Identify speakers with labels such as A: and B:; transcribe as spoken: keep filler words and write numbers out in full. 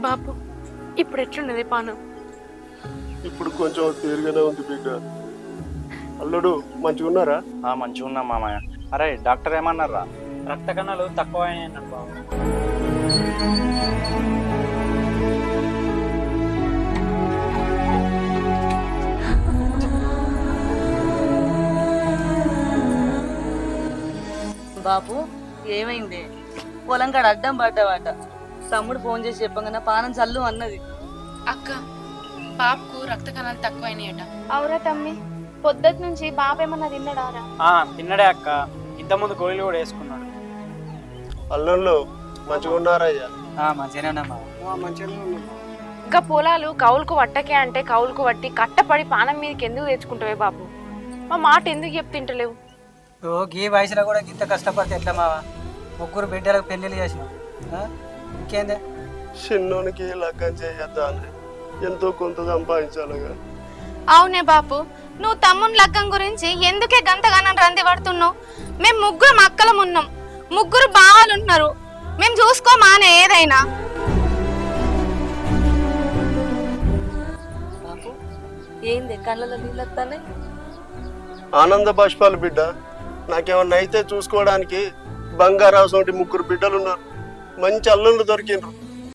A: బాపు ఇప్పుడు ఎట్లున్నది పానం?
B: ఇప్పుడు కొంచెం తీరుగానే ఉంది బిడ్డ. అల్లుడు మంచిగా ఉన్నారా?
C: మంచిగా ఉన్నా మామయ్య. అరే డాక్టర్ ఏమన్నారా?
D: రక్త కణాలు తక్కువ అయినాయి బాబు.
E: బాపు ఏమైంది? పొలం కాడ అడ్డం పడ్డావాట. తమ్ముడు ఫోన్ చేసి చెప్పగానే పానం చల్లు అన్నది.
A: అక్క బాపుకు రక్త కణాలు తక్కువైనాయట.
F: అవురా తమ్మి, పొద్దుటి నుంచి బాబేమన్నా తిన్నాడారా?
D: ఆ తిన్నడే అక్క, ఇంత ముందు గోళీలు కూడా వేసుకున్నాడు.
B: అల్లుళ్ళు మంచిగా ఉన్నారయ్యా?
D: మంచిగానే
A: ఇంకా పొలాలు కౌలుకు వట్టకే అంటే కౌలుకు వట్టి కట్టపడి పానం మీదకి ఎందుకు తెచ్చుకుంటావే బాపు? మా మాట ఎందుకు చెప్తింటలేవు?
G: ఓ గీ వయసులో కూడా ఇంత కష్టపడితే ఎట్లా మావా? ముగ్గురు బిడ్డలకు పెళ్ళిళ్ళు చేసిన ఇంకేందే?
B: చిన్నోనికి లగ్గం చేయొద్దా అని ఎంతో కొంత సంపాదించాలిగా.
F: అవునే బాపు, నువ్వు తమ్ముని లగ్గం గురించి ఎందుకే గంతగానం రంది పడుతున్నావు? మేము ముగ్గురు మక్కలం ఉన్నాం, ముగ్గురు బావాలు ఉన్నారు, మేము చూసుకోమానే ఏదైనా.
E: బాపు ఏంది కళ్ళలో నీళ్ళు వస్తానే?
B: ఆనంద బాష్పాలు బిడ్డ. నాకేమన్నా అయితే చూసుకోవడానికి బంగారావు సోటి ముగ్గురు బిడ్డలు ఉన్నారు. మంచి అల్లుళ్ళు దొరికిండ్రు.